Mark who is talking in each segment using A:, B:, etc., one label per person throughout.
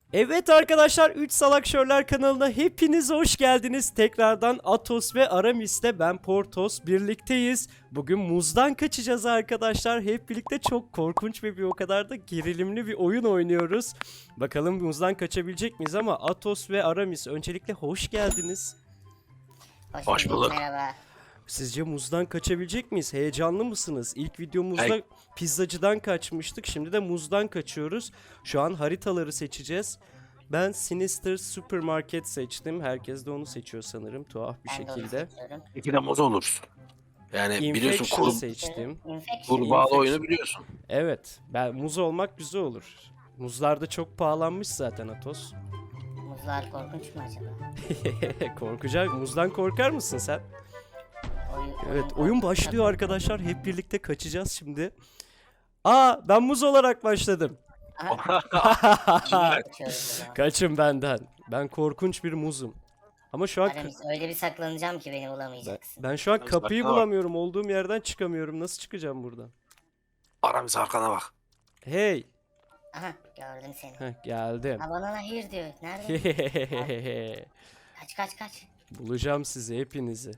A: Evet arkadaşlar, 3 Salak Şörler kanalına hepiniz hoş geldiniz. Tekrardan Atos ve Aramis'le ben Portos birlikteyiz. Bugün muzdan kaçacağız arkadaşlar. Hep birlikte çok korkunç ve bir o kadar da gerilimli bir oyun oynuyoruz. Bakalım muzdan kaçabilecek miyiz ama Atos ve Aramis öncelikle hoş geldiniz.
B: Hoş bulduk.
C: Merhaba.
A: Sizce muzdan kaçabilecek miyiz? Heyecanlı mısınız? İlk videomuzda
B: Hey.
A: pizzacıdan kaçmıştık. Şimdi de muzdan kaçıyoruz. Şu an haritaları seçeceğiz. Ben Sinister Supermarket seçtim. Herkes de onu seçiyor sanırım, tuhaf bir
C: Ben de onu
A: şekilde.
C: seçiyorum.
B: İki de muz olursun. Yani biliyorsun
A: Infection seçtim.
C: Infection.
B: kurbağalı
A: Infection.
B: oyunu biliyorsun.
A: Evet, ben muz olmak güzel olur. Muzlar da çok pahalanmış zaten Atos.
C: Muzlar korkunç mu acaba?
A: Korkacak. Muzdan korkar mısın sen? Evet, oyun
C: korkunç.
A: başlıyor arkadaşlar. Hep birlikte kaçacağız şimdi. Aa, ben muz olarak başladım.
C: Kaçıyoruz o zaman.
A: Kaçın benden. Ben korkunç bir muzum. Ama şu an
C: Aramis, öyle bir saklanacağım ki beni bulamayacaksın.
A: ben şu an
B: Aramis,
A: kapıyı
B: arkana bak.
A: bulamıyorum. Olduğum yerden çıkamıyorum. Nasıl çıkacağım buradan?
B: Aramis arkana bak.
A: Hey.
C: Aha, gördüm seni.
A: Heh, geldim.
C: Ha, bana hayır diyor. Nerede? Kaç.
A: Bulacağım sizi hepinizi.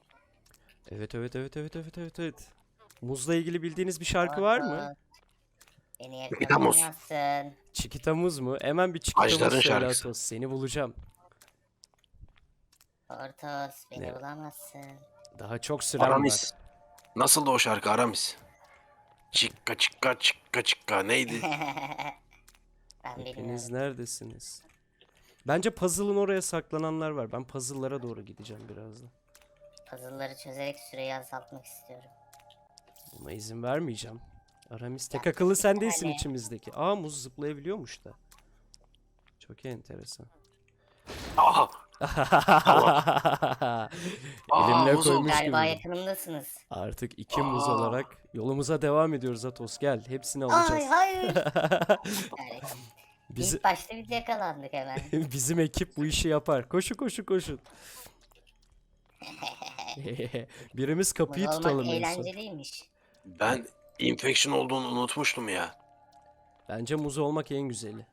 A: Evet. Muzla ilgili bildiğiniz bir şarkı var mı?
C: Ortos, beni
B: Chiquita muz.
C: yakalayamazsın.
A: Çikita muz mu? Hemen bir çikita muz
B: Ajdar'ın
A: söyle
B: şarkısı.
A: Atos. Seni bulacağım.
C: Ortos, beni
A: Ne?
C: bulamazsın.
A: Daha çok süren var.
B: Aramis. Nasıl da o şarkı Aramis? Çıkka çıkka çıkka çıkka neydi?
C: Ben
A: Hepiniz
C: bilmiyorum.
A: neredesiniz? Bence puzzle'ın oraya saklananlar var. Ben puzzle'lara doğru gideceğim birazdan.
C: Puzzle'ları çözerek süreyi azaltmak istiyorum.
A: Buna izin vermeyeceğim. Aramis, tek akıllı sen değilsin
C: yani.
A: içimizdeki. Aa, muz zıplayabiliyormuş da. Çok enteresan.
B: Aha.
A: Elimle
B: muzum.
A: koymuş
C: Galiba
A: gibi.
C: yakınımdasınız.
A: Artık iki muz
B: Aa.
A: olarak yolumuza devam ediyoruz Atos. Gel, hepsini
C: Ay
A: alacağız.
C: hayır. Evet.
A: Bizi,
C: İlk başta biz yakalandık hemen.
A: bizim ekip bu işi yapar. Koşun. Birimiz kapıyı
C: Muz
A: tutalım
C: olmak
A: en son.
C: eğlenceliymiş.
B: Ben infection olduğunu unutmuştum ya.
A: Bence muz olmak en güzeli.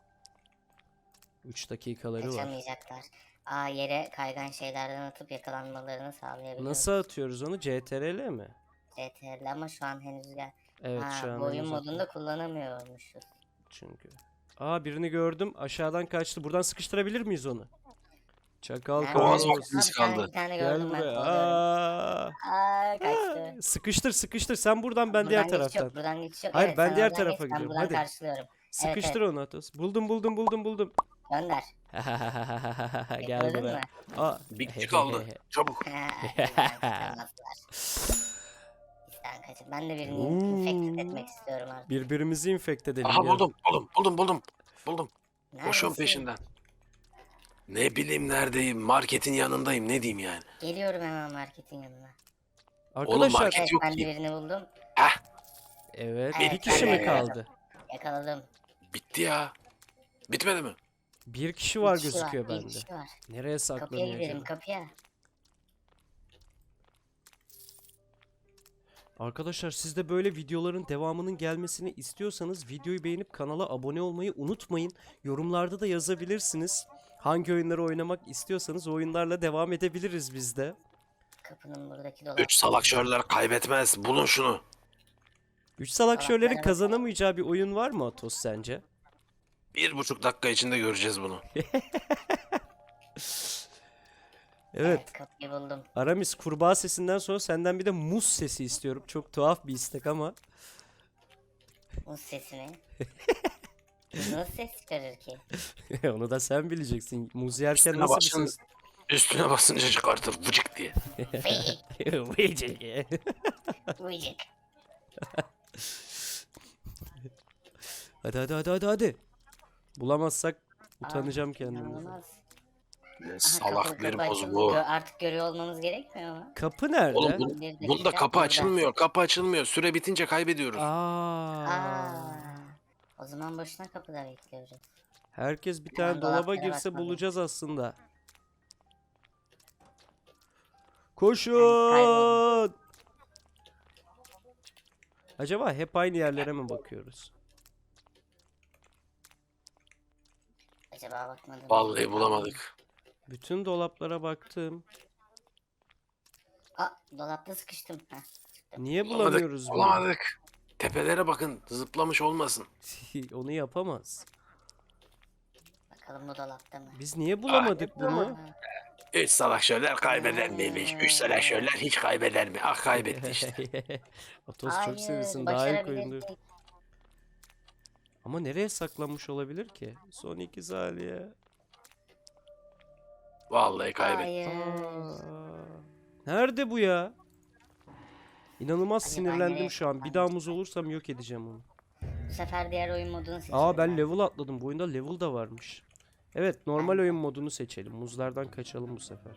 A: 3 dakikaları var.
C: Kaçamayacaklar. Aa, yere kaygan şeylerden atıp yakalanmalarını sağlayabiliyoruz.
A: Nasıl atıyoruz onu? CTRL mi?
C: CTRL ama şu an henüz gel.
A: Evet,
C: Ha,
A: şu an
C: bu oyun
A: henüz
C: modunda kullanamıyormuşuz.
A: çünkü. Aa, birini gördüm. Aşağıdan kaçtı. Buradan sıkıştırabilir miyiz onu? Çakal
C: Nerede?
B: Boğaz
A: Carlos.
B: vaktimiz
C: Bir tane,
B: kaldı.
C: bir tane
A: Gel
C: gördüm ben.
A: buraya.
C: Kovalıyorum.
A: Aa.
C: Kaçtı.
A: Sıkıştır. Sen buradan, ben diğer
C: Buradan geçiş
A: taraftan.
C: yok, buradan geçiş yok.
A: Hayır,
C: Evet,
A: ben
C: sen
A: diğer
C: oradan
A: tarafa
C: geç, ben
A: gidiyorum.
C: buradan
A: Hadi.
C: karşılıyorum.
A: Sıkıştır
C: Evet.
A: onu Atos. Buldum.
C: Gönder.
A: Gel
C: Yakaladın
A: buraya.
C: mı?
A: Aa.
B: Bir kişi kaldı. Çabuk.
C: Bizden kaçamazlar. Bizden kaçın. Ben de birini infect etmek istiyorum artık.
A: Birbirimizi infekt edelim.
B: Aha
A: gel.
B: buldum.
C: Neredesin?
B: Koşuyorum peşinden. Ne bileyim neredeyim. Marketin yanındayım. Ne diyeyim yani.
C: Geliyorum hemen marketin yanına.
A: Arkadaşlar.
B: market-
C: Evet,
B: yok
C: ben de
B: ki.
C: birini buldum.
B: Heh.
A: Evet.
C: Evet,
A: Bir kişi
C: ben
A: mi
C: de
A: kaldı?
C: Yakaladım.
B: Bitti ya. Bitmedi mi?
A: Bir kişi var
C: Bir kişi
A: gözüküyor
C: bir
A: bende.
C: kişi var.
A: Nereye
C: Kapıya
A: saklanıyor
C: gidelim,
A: acaba?
C: kapıya.
A: Arkadaşlar, siz de böyle videoların devamının gelmesini istiyorsanız videoyu beğenip kanala abone olmayı unutmayın. Yorumlarda da yazabilirsiniz. Hangi oyunları oynamak istiyorsanız o oyunlarla devam edebiliriz biz de.
C: Kapının buradaki dolap.
B: 3 salak şörler kaybetmez. Bulun şunu.
A: 3 salak şöylerin
C: Salaklara
A: kazanamayacağı bir oyun var mı Atos sence?
B: 1,5 dakika içinde göreceğiz bunu.
A: Evet.
C: Kapıyı buldum.
A: Aramis, kurbağa sesinden sonra senden bir de muz sesi istiyorum. Çok tuhaf bir istek ama.
C: Muz sesi mi? Nasıl ses çıkarır ki?
A: Onu da sen bileceksin. Muz yerken
B: Üstüne
A: nasıl
B: basın.
A: bir ses?
B: Üstüne basınca çıkartır vıcık diye.
A: Vıycık.
C: Uyuyacak.
A: Hadi. Bulamazsak utanacağım kendimden.
C: İnanılmaz.
B: Ne
C: Aha,
B: salak bir
C: kapı
B: boz
C: açıldı.
B: bu.
C: Artık görüyor olmamız gerekmiyor mu?
A: Kapı nerede?
B: Oğlum
C: Bir dakika,
B: bunda kapı
C: burada.
B: açılmıyor. Kapı açılmıyor. Süre bitince kaybediyoruz.
A: Aa.
C: O zaman boşuna kapıda bekliyoruz.
A: Herkes bir
C: Hemen
A: tane dolaba
C: dolaplara
A: girse
C: bakmalıyım.
A: bulacağız aslında.
C: Ben
A: Koşun!
C: kayboldum.
A: Acaba hep aynı yerlere mi bakıyoruz?
C: Acaba bakmadım.
B: Vallahi bulamadık.
A: Bütün dolaplara baktım.
C: Aa, dolapta sıkıştım. Heh, çıktım.
A: Niye
B: Bulamadık.
A: bulamıyoruz bunu?
B: Bulamadık. Tepelere bakın. Zıplamış olmasın.
A: Onu yapamaz.
C: Bakalım bu dolapta mı?
A: Biz niye bulamadık bunu?
C: Aa,
B: 3 savaşörler kaybeder miymiş? 3 savaşörler hiç kaybeder mi? Ah kaybetti işte.
A: Atos çok
C: hayır,
A: seviyorsun. Daha ilk oyundu.
C: başarabilirdik.
A: Ama nereye saklanmış olabilir ki? Son 2 saniye.
B: Vallahi kaybetti.
C: Hayır.
A: Aa, nerede bu ya? İnanılmaz
C: Acaba
A: sinirlendim
C: nereye
A: şu an. Bir daha muz olursam yok edeceğim onu.
C: Bu sefer diğer oyun modunu seçelim.
A: Aa ben level atladım. Bu oyunda level da varmış. Evet, normal
C: Ben-
A: oyun modunu seçelim. Muzlardan kaçalım bu sefer.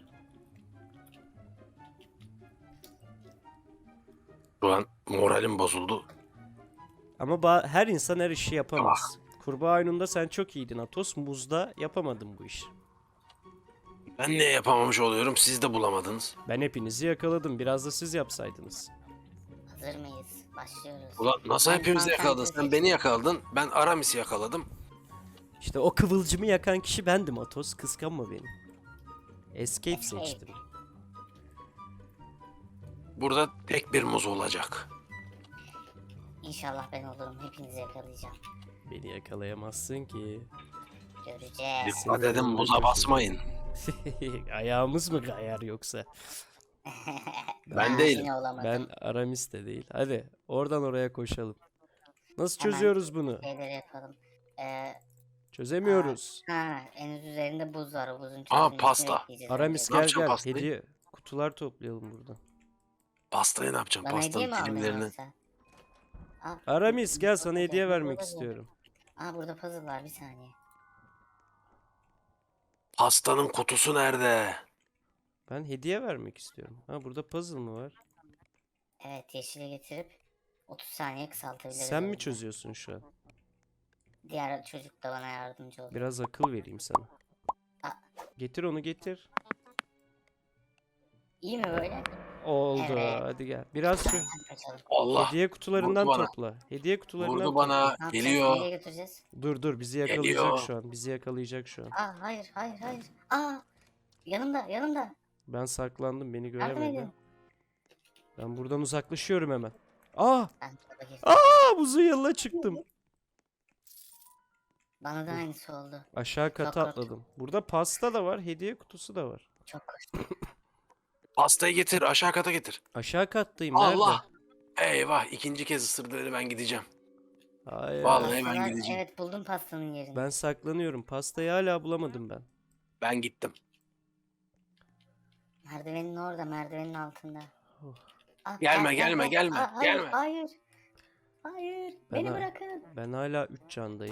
B: Şu an moralim bozuldu.
A: Ama her insan her işi yapamaz. Kurbağa oyununda sen çok iyiydin Atos. Muzda yapamadın bu işi.
B: Ben ne yapamamış oluyorum? Siz de bulamadınız.
A: Ben hepinizi yakaladım. Biraz da siz yapsaydınız.
C: Hazır mıyız? Başlıyoruz.
B: Ulan nasıl
C: Ben
B: hepimizi yakaladın?
C: Concentrate
B: Sen beni yakaladın. Ben Aramis'i yakaladım.
A: İşte o kıvılcımı yakan kişi bendim Atos. Kıskanma beni. Escape
C: Escape.
A: seçtim.
B: Burada tek bir muz olacak.
C: İnşallah ben olurum. Hepinizi yakalayacağım.
A: Beni yakalayamazsın ki.
C: Göreceğiz.
B: Dikkat edin muza basmayın.
A: Ayağımız mı kayar yoksa?
B: Ben
C: Aa,
B: değilim.
C: Yine olamadım.
A: Ben Aramis de değil. Hadi oradan oraya koşalım. Nasıl
C: Hemen.
A: çözüyoruz bunu?
C: Şeyleri yapalım.
A: Çözemiyoruz.
C: En üst üzerinde buz var. O buzun
B: Aa,
C: çözülmesini
B: pasta.
C: bekleyeceğiz
A: Aramis
C: önce.
B: Ne
A: gel
B: yapacağım
A: gel.
B: pastayı?
A: Hediye kutular toplayalım burada.
B: Pastayı ne yapacağım?
C: Bana hediye mi
B: Pastanın
C: aldın
B: dilimlerini.
C: yoksa? Aa,
A: Aramis gel sana hediye
C: burada
A: vermek
C: puzzle.
A: istiyorum.
C: Aa, burada puzzle var, bir saniye.
B: Pastanın kutusu nerede?
A: Ben hediye vermek istiyorum. Ha burada puzzle mı var?
C: Evet, yeşili getirip 30 saniye kısaltabiliriz.
A: Sen mi
C: oyunu.
A: çözüyorsun şu an?
C: Diğer çocuk da bana yardımcı oldu.
A: Biraz akıl vereyim sana.
C: Aa.
A: Getir onu getir.
C: İyi mi böyle?
A: Oldu.
C: Evet.
A: Hadi gel. Biraz şu
C: Hadi kaçalım.
B: Allah.
A: hediye kutularından
B: Vurdu bana.
A: topla. Hediye kutularından
B: Vurdu
A: topla.
B: bana.
C: Ne yapacağız?
B: Geliyor.
C: Nereye götüreceğiz?
A: Dur bizi yakalayacak
B: Geliyor.
A: şu an. Bizi yakalayacak şu an.
C: Aa, hayır. Aa, yanımda.
A: Ben saklandım, beni
C: Yardım
A: göremedi.
C: edin.
A: Ben buradan uzaklaşıyorum hemen. Aa!
C: Ben tarafa girdim.
A: Aa! Buzun yanına çıktım.
C: Bana da aynısı oldu.
A: Aşağı kata
C: Çok korktum.
A: atladım. Burada pasta da var, hediye kutusu da var.
C: Çok korktum.
B: Pastayı getir. Aşağı kata getir.
A: Aşağı kattayım.
B: Allah.
A: Nerede?
B: Eyvah. ikinci kez ısırdı beni, ben gideceğim.
A: Hayır.
B: Vallahi ben
C: Pastalar-
B: gideceğim.
C: Evet, buldum pastanın yerini.
A: Ben saklanıyorum. Pastayı hala bulamadım ben.
B: Ben gittim.
C: Merdivenin orada, merdivenin altında.
A: Oh.
C: Ah,
B: Gelme, gelme, gelme,
C: hayır,
B: gelme.
C: Hayır. Hayır.
A: Ben
C: Beni
A: ha-
C: bırakın.
A: Ben hala 3 candayım.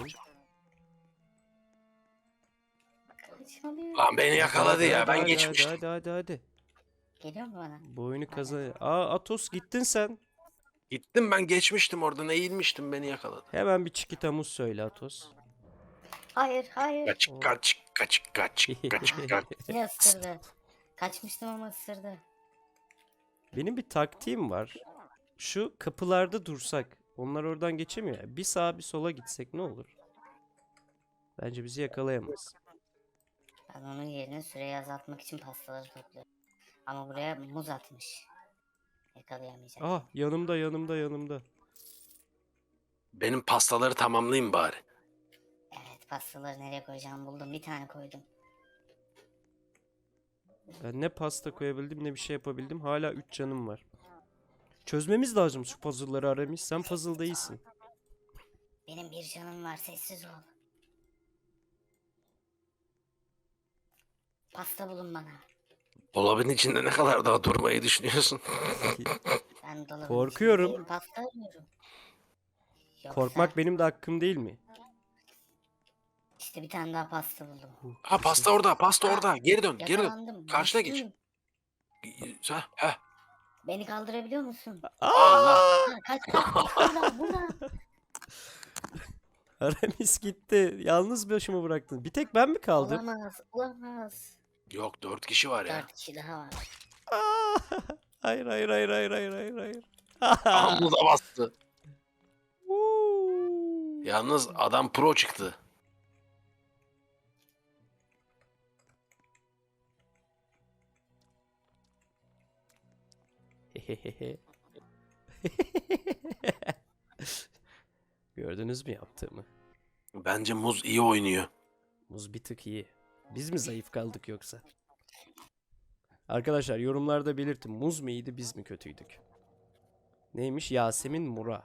C: Kaçmalıyım.
B: Lan beni yakaladı ya. Ben
A: hadi,
B: geçmiştim.
A: hadi.
C: Geliyor mu bana?
A: Bu oyunu kazan. Aa Atos gittin sen.
B: Gittim, ben geçmiştim oradan. Eğilmiştim, beni yakaladı.
A: Hemen bir çikitamuz söyle Atos.
C: Hayır.
B: Kaçık kaçık.
C: Yine ısırdı. Kaçmıştım ama ısırdı.
A: Benim bir taktiğim var. Şu kapılarda dursak. Onlar oradan geçemiyor ya. Bir sağa bir sola gitsek ne olur? Bence bizi yakalayamaz.
C: Ben onun yerine süreyi azaltmak için pastaları topluyorum. Ama buraya muz atmış. Yakalayamayacak.
A: Ah yanımda.
B: Benim pastaları tamamlayayım bari.
C: Evet, pastaları nereye koyacağımı buldum. Bir tane koydum.
A: Ben ne pasta koyabildim ne bir şey yapabildim. Hala 3 canım var. Çözmemiz lazım şu puzzle'ları Aramis. Sen puzzle değilsin.
C: Benim bir canım var, sessiz ol. Pasta bulun bana.
B: Dolabın içinde ne kadar daha durmayı düşünüyorsun?
C: Ben dolabın
A: Korkuyorum.
C: içindeyim, pasta arıyorum. Yoksa
A: Korkmak benim de hakkım değil mi?
C: işte bir tane daha pasta buldum.
B: Ha, pasta orada. Geri dön.
C: Yakalandım.
B: Karşına geç.
C: Başlıyım.
B: Heh.
C: Beni kaldırabiliyor musun?
B: Allah.
C: Ha, kaç. Burada.
A: Aramis gitti. Yalnız başıma bıraktın. Bir tek ben mi kaldım?
C: Olamaz.
B: Yok, 4 kişi var ya.
C: 4 kişi daha var.
A: Hayır.
B: Amma da bastı.
A: Woo.
B: Yalnız adam pro çıktı.
A: Gördünüz mü yaptığımı?
B: Bence muz iyi oynuyor.
A: Muz bir tık iyi. Biz mi zayıf kaldık yoksa? Arkadaşlar yorumlarda belirtin. Muz mu iyiydi, biz mi kötüydük? Neymiş? Yasemin Mura.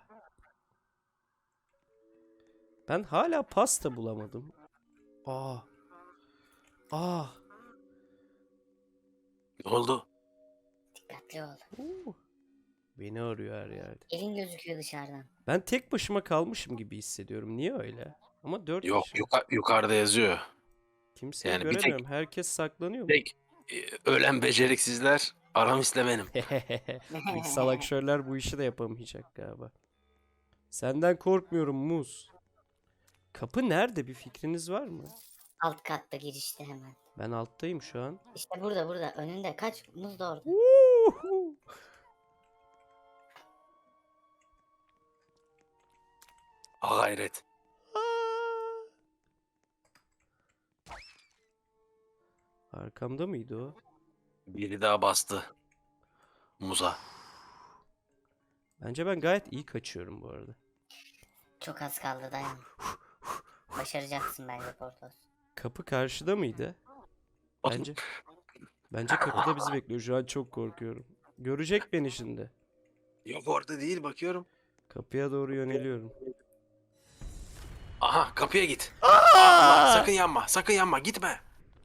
A: Ben hala pasta bulamadım. Aa. Aa.
B: Ne oldu?
C: Dikkatli ol.
A: Beni arıyor her yerde.
C: Elin gözüküyor dışarıdan.
A: Ben tek başıma kalmışım gibi hissediyorum. Niye öyle? Ama 4
B: Yok
A: kişi.
B: yukarıda yazıyor.
A: Kimseyi
B: Yani bir tek-
A: göremiyorum. Herkes saklanıyor mu?
B: Tek ölen beceriksizler Aramis'le benim.
A: Bu salakşörler bu işi de yapamayacak galiba. Senden korkmuyorum Muz. Kapı nerede? Bir fikriniz var mı?
C: Alt katta girişte hemen.
A: Ben alttayım şu an.
C: İşte burada önünde. Kaç muz da orada.
A: Uhu.
B: Ha gayret.
A: Arkamda mıydı o?
B: Biri daha bastı. Muza.
A: Bence ben gayet iyi kaçıyorum bu arada.
C: Çok az kaldı dayan. Başaracaksın bence Portos.
A: Kapı karşıda mıydı? Bence kapıda bizi bekliyor. Şu an çok korkuyorum. Görecek beni şimdi.
B: Yok orada değil bakıyorum.
A: Kapıya doğru yöneliyorum.
B: Aha kapıya git. Allah, sakın yanma. Sakın yanma. Gitme.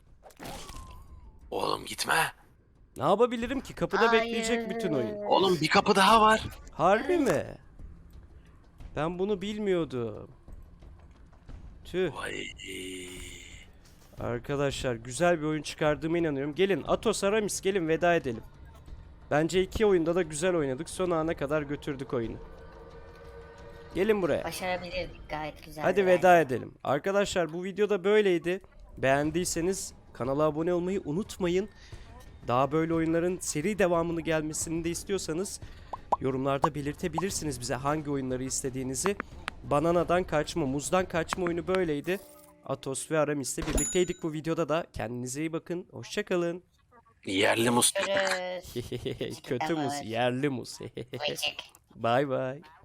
B: Oğlum gitme.
A: Ne yapabilirim ki? Kapıda
C: Hayır.
A: bekleyecek bütün oyun.
B: Oğlum bir kapı daha var.
A: Harbi mi? Ben bunu bilmiyordum. Tüh.
B: Vay.
A: Arkadaşlar güzel bir oyun çıkardığıma inanıyorum. Gelin Atos Aramis gelin veda edelim. Bence iki oyunda da güzel oynadık. Son ana kadar götürdük oyunu. Gelin buraya.
C: Başarabilirdik gayet güzel.
A: Hadi veda edelim. Arkadaşlar bu videoda böyleydi. Beğendiyseniz kanala abone olmayı unutmayın. Daha böyle oyunların seri devamını gelmesini de istiyorsanız yorumlarda belirtebilirsiniz bize hangi oyunları istediğinizi. Bananadan kaçma, muzdan kaçma oyunu böyleydi. Atos ve Aramis'le birlikteydik bu videoda da. Kendinize iyi bakın. Hoşçakalın.
B: Yerli muz.
C: Görüşürüz.
A: Kötü muz, yerli muz.
C: Vıcık.
A: Bye bye.